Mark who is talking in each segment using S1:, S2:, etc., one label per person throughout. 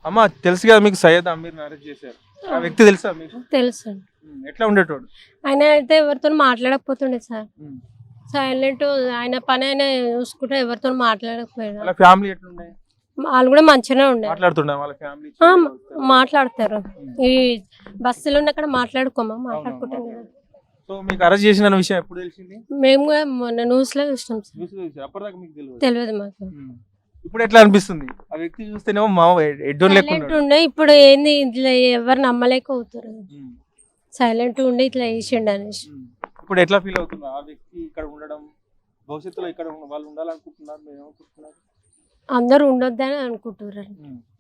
S1: అమ్మ తెలుసు కదా మీకు సయ్యద్ అమీర్ అరెస్ట్ చేశారు. ఆ వ్యక్తి తెలుసా మీకు?
S2: తెలుసు.
S1: ఎట్లా ఉండేటోడు?
S2: ఆయన అయితే ఎవరితో మాట్లాడకపోతుండే సార్.
S1: ఉమ్.
S2: సైలెంట్, ఆయన పని ఆయన చూసుకుంటే ఎవరితో మాట్లాడకపోయాడు.
S1: వాళ్ళ ఫ్యామిలీ ఎట్లుండే?
S2: వాళ్ళు కూడా మంచిగానే ఉండే,
S1: మాట్లాడుతుండే వాళ్ళ ఫ్యామిలీ?
S2: మాట్లాడతారు. ఈ బస్సులో ఉన్న అక్కడ మాట్లాడుకుంటాం కదా.
S1: సో మీకు అరెస్ట్ చేసిన విషయం ఎప్పుడు తెలిసింది?
S2: మేము కూడా మొన్న న్యూస్ లో చూసినాం సార్.
S1: అప్పటిదాకా మీకు తెలియదు?
S2: తెలియదు మాకు.
S1: ఇప్పుడు ఎట్లా అనిపిస్తుంది? ఆ వ్యక్తి చూస్తేనేమో మా ఎడ్డోన్
S2: సైలెంట్
S1: లేకుండా
S2: ఉండే, ఇప్పుడు ఏంది ఇట్లా ఎవరు నమ్మలేకపోతారు. సైలెంట్ ఉండి ఇట్లా చేసిండు అనేసి.
S1: ఇప్పుడు ఎట్లా ఫీల్ అవుతున్నా ఆ వ్యక్తి ఇక్కడ ఉండడం? భవిష్యత్తులో ఇక్కడ వాళ్ళు ఉండాలనుకుంటున్నారు, మీరు ఏమనుకుంటున్నారు?
S2: అందరూ ఉండొద్దని అనుకుంటున్నారు.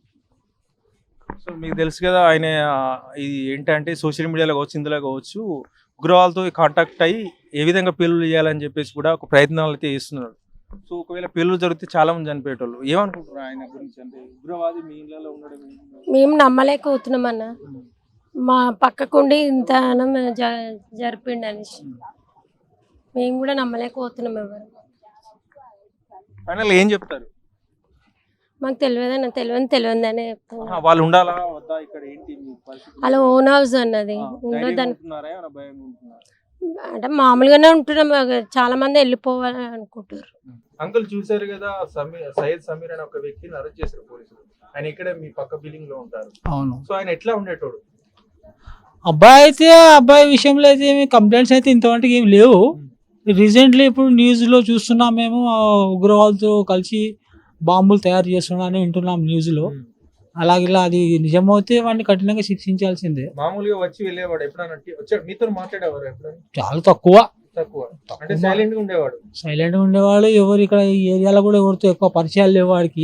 S1: సో మీకు తెలుసు కదా ఆయన ఇది ఏంటంటే సోషల్ మీడియాలో కావచ్చు, ఇందులో కావచ్చు, ఉగ్రవాళ్ళతో కాంటాక్ట్ అయ్యి ఏ విధంగా పేలులు చేయాలని చెప్పేసి కూడా ఒక ప్రయత్నాలు అయితే చేస్తున్నారు. సో ఒకవేళ పేలులు జరిగితే చాలా మంది చనిపోయేటోళ్ళు. ఏమనుకుంటున్నారు ఆయన గురించి? అంటే ఉగ్రవాది మీ ఇళ్ళలో ఉండడం
S2: మేము నమ్మలేకపోతున్నాం అన్న. మా పక్కకుండి ఇంత జరిపిండు అనేసి మేము కూడా నమ్మలేకపోతున్నాం. ఎవరు
S1: ఫైనల్ ఏం చెప్తారు?
S2: మాకు తెలియదన్న, తెలియదని చెప్తాను.
S1: వాళ్ళు ఉండాలా వద్దా ఇక్కడ? ఏంటి
S2: అలా ఓన్ హౌస్ అన్నది ఉండొద్దని అంటే మామూలుగానే ఉంటున్నాం. చాలా మంది వెళ్ళిపోవాలి అనుకుంటారు.
S1: అంకుల్ చూసారు కదా సయ్యద్ సమీర్ అనే ఒక వ్యక్తిని అరెస్ట్ చేశారు పోలీసులు. ఆయన ఇక్కడే మీ పక్క బిల్డింగ్ లో ఉంటారు.
S3: అవును.
S1: సో ఆయన ఎట్లా ఉండేటోడు?
S3: అబ్బాయి విషయంలో అయితే ఏమి కంప్లైంట్స్ అయితే ఇంతవరకు ఏమి లేవు. రీసెంట్లీ ఇప్పుడు న్యూస్ లో చూస్తున్నాం మేము, ఉగ్రవాదులతో కలిసి బాంబులు తయారు చేస్తున్నారని వింటున్నాం న్యూస్ లో. అలాగే అది నిజమైతే వాడిని కఠినంగా శిక్షించాల్సిందే.
S1: మామూలుగా వచ్చి వెళ్ళేవాడు ఎప్పుడైనా వచ్చాడు మీతో మాట్లాడేవారు? ఎప్పుడైనా
S3: చాలా తక్కువ.
S1: అంటే సైలెంట్ గా
S3: ఉండేవాడు. ఎవరు ఇక్కడ ఈ ఏరియాలో కూడా ఎవరితో ఎక్కువ పరిచయాలు లేవు వాడికి.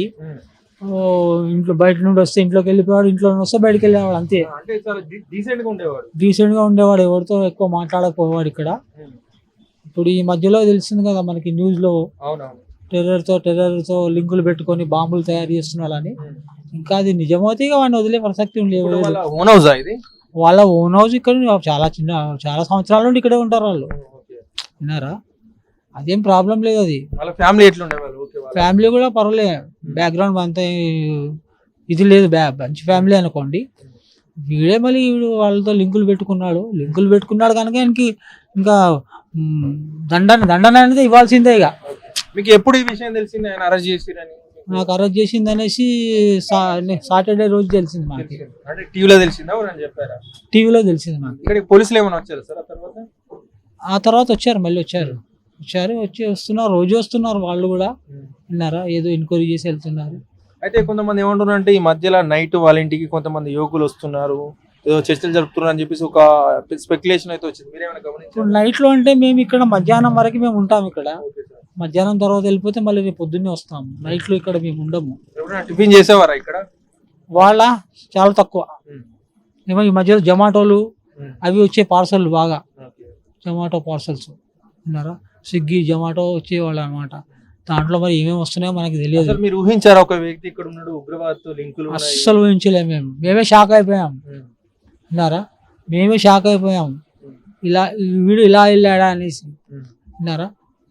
S3: ఇంట్లో బయట నుండి వస్తే ఇంట్లోకి వెళ్ళిపోయాడు, ఇంట్లో వస్తే బయటకు వెళ్ళేవాడు, అంతే.
S1: అంటే చాలా
S3: డీసెంట్ గా ఉండేవాడు, ఎవరితో ఎక్కువ మాట్లాడకపోవాడు ఇక్కడ. ఇప్పుడు ఈ మధ్యలో తెలిసింది కదా మనకి న్యూస్ లో, టెర్రర్తో లింకులు పెట్టుకొని బాంబులు తయారు చేస్తున్నారని. ఇంకా అది నిజమైతే వాడిని వదిలే ప్రసక్తి లేదు. వాళ్ళ ఓన్ హౌస్ ఇక్కడ చాలా సంవత్సరాల నుండి ఇక్కడే ఉంటారు వాళ్ళు. విన్నారా? అదేం ప్రాబ్లం లేదు. అది ఫ్యామిలీ కూడా పర్వాలేదు, బ్యాక్గ్రౌండ్ అంతా ఇది లేదు, మంచి ఫ్యామిలీ అనుకోండి. వీడే మళ్ళీ వాళ్ళతో లింకులు పెట్టుకున్నాడు కనుక ఆయనకి ఇంకా దండన అనేది ఇవ్వాల్సిందే. ఇక
S1: మీకు ఎప్పుడు ఈ విషయం తెలిసింది ఆయన అరెస్ట్ చేసిరని?
S3: నాకు అరెస్ట్ చేసింది అనేసి సాటర్డే రోజు తెలిసింది మాకు.
S1: అంటే టీవీలో తెలిసిందా? చెప్పారా?
S3: టీవీలో తెలిసింది మాకు.
S1: ఇక్కడ పోలీసులు ఏమైనా వచ్చారు సార్
S3: ఆ తర్వాత వచ్చారు, మళ్ళీ వస్తున్నారు, రోజు వస్తున్నారు వాళ్ళు కూడా. విన్నారా? ఏదో ఎంక్వైరీ చేసి వెళ్తున్నారు.
S1: అయితే కొంతమంది ఏమంటున్నారు అంటే ఈ మధ్యలో నైట్ వాళ్ళ ఇంటికి కొంతమంది యువకులు వస్తున్నారు, ఏదో చర్చలు జరుపుతున్నారు అని చెప్పేసి ఒక స్పెక్యులేషన్ అయితే వచ్చింది. మీరేమైనా గమనించారు?
S3: నైట్ లో అంటే మేము ఇక్కడ మధ్యాహ్నం వరకు మేము ఉంటాం ఇక్కడ. మధ్యాహ్నం తర్వాత వెళ్ళిపోతే మళ్ళీ రేపు పొద్దున్నే వస్తాము. నైట్ లో ఇక్కడ మేము ఉండము.
S1: టిఫిన్ చేసేవారా ఇక్కడ?
S3: వాళ్ళ చాలా తక్కువ. ఏమో ఈ మధ్యలో జొమాటోలు అవి వచ్చే పార్సల్, బాగా జొమాటో పార్సల్స్ విన్నారా, స్విగ్గీ జొమాటో వచ్చేవాళ్ళు అనమాట. దాంట్లో మరి ఏమేమి వస్తున్నాయో మనకి తెలియదు.
S1: మీరు ఊహించారా ఒక వ్యక్తి ఇక్కడ ఉన్నాడు ఉగ్రవాదతో లింకులు?
S3: అస్సలు ఊహించలేము. మేమే షాక్ అయిపోయాం. విన్నారా? మేమే షాక్ అయిపోయాం. వీడు ఇలా వెళ్ళాడా అనేసి. విన్నారా?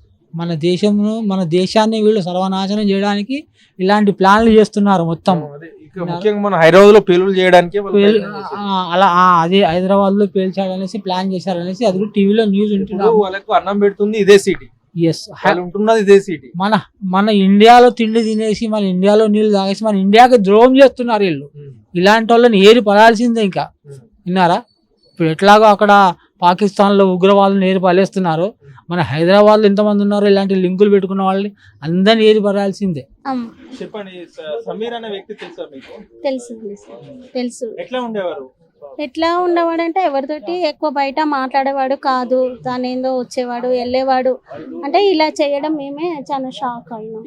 S3: మన దేశాన్ని వీళ్ళు సర్వనాశనం చేయడానికి ఇలాంటి ప్లాన్లు చేస్తున్నారు మొత్తం.
S1: మన హైదరాబాద్ లో పేలులు చేయడానికి
S3: అలా అదే హైదరాబాద్ లో పేల్చాడనేసి ప్లాన్ చేశారనేసి అది టీవీలో న్యూస్ ఉంటున్నారు.
S1: వాళ్ళకు అన్నం పెడుతుంది ఇదే సిటీ. ఉంటున్నది ఇదే సిటీ.
S3: మన ఇండియాలో తిండి తినేసి, మన ఇండియాలో నీళ్లు తాగేసి మన ఇండియాకి ద్రోహం చేస్తున్నారు వీళ్ళు. ఇలాంటి వాళ్ళని ఏరి పడాల్సిందే ఇంకా. విన్నారా? ఇప్పుడు ఎట్లాగో అక్కడ పాకిస్తాన్ లో ఉగ్రవాదులను ఏరి పడేస్తున్నారు, మన హైదరాబాద్ లో ఎంతమంది ఉన్నారు ఇలాంటి లింకులు పెట్టుకున్న వాళ్ళని అందరిని ఏరి పడాల్సిందే.
S1: చెప్పండి, సమీర్ అనే వ్యక్తి తెలుసా మీకు?
S4: తెలుసు.
S1: ఎట్లా
S4: ఉండేవాడు అంటే ఎవరితోటి ఎక్కువ బయట మాట్లాడేవాడు కాదు. దాని ఏందో వచ్చేవాడు వెళ్ళేవాడు. అంటే ఇలా చేయడం మేమే చాలా షాక్ అయినాం.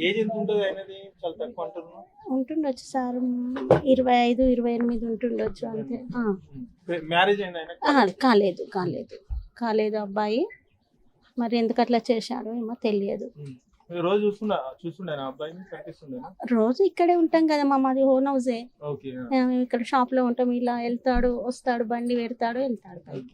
S4: ఉంటుండొచ్చు సార్, 25-28 ఉంటుండొచ్చు అంతే. కాలేదు అబ్బాయి. మరి ఎందుకు అట్లా చేశాడో ఏమో తెలియదు. రోజు ఇక్కడే ఉంటాం కదా, మాది ఓన్ హౌసే. మేము ఇక్కడ షాప్ లో ఉంటాం. ఇలా వెళ్తాడు వస్తాడు, బండి పెడతాడు వెళ్తాడు పైకి.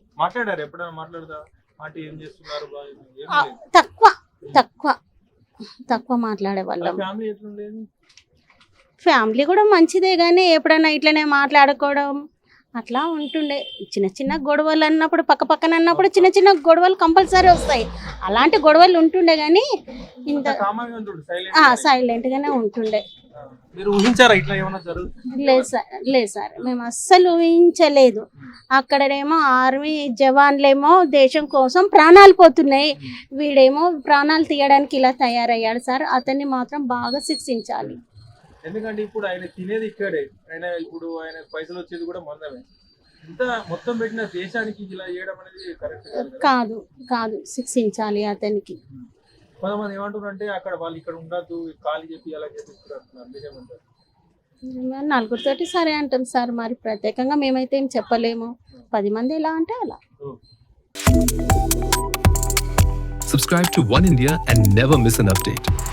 S4: తక్కువ మాట్లాడే వాళ్ళం. ఫ్యామిలీ కూడా మంచిదే కానీ ఎప్పుడైనా ఇట్లనే మాట్లాడుకోవడం అట్లా ఉంటుండే. చిన్న చిన్న గొడవలు అన్నప్పుడు పక్క పక్కన అన్నప్పుడు చిన్న చిన్న గొడవలు కంపల్సరీ వస్తాయి. అలాంటి గొడవలు ఉంటుండే కానీ ఇంత
S1: కామన్గా ఉంటుంది, silent.
S4: సైలెంట్గానే ఉంటుండే.
S1: మీరు ఊహించారా ఇట్లా ఏమైనా జరుగుతుంది?
S4: లేదు సార్ మేము అస్సలు ఊహించలేదు. అక్కడేమో ఆర్మీ జవాన్లేమో దేశం కోసం ప్రాణాలు పోతున్నాయి, వీడేమో ప్రాణాలు తీయడానికి ఇలా తయారయ్యాడు సార్. అతన్ని మాత్రం బాగా శిక్షించాలి.
S1: ఎందుకంటే ఇప్పుడు ఆయన తినేది ఇక్కడే, ఆయన పైసలు వచ్చేది కూడా మందమే. ఇంత మొత్తం పెట్టిన దేశానికి ఇలా చేయడం అనేది కరెక్ట్
S4: కాదు కాదు శిక్షించాలి అతనికి.
S1: కొంతమంది ఏమంటారు అంటే అక్కడ వాళ్ళు ఇక్కడ ఉండద్దు, ఖాళీ చెప్పి అలా చెప్పిస్తున్నారు, నిజమంటారు.
S4: నలుగురితోటి సరే అంటాం సార్, మరి ప్రత్యేకంగా మేమైతే ఏం చెప్పలేము. 10 మంది ఎలా అంటే అలా.
S5: Subscribe to One India and never miss an update.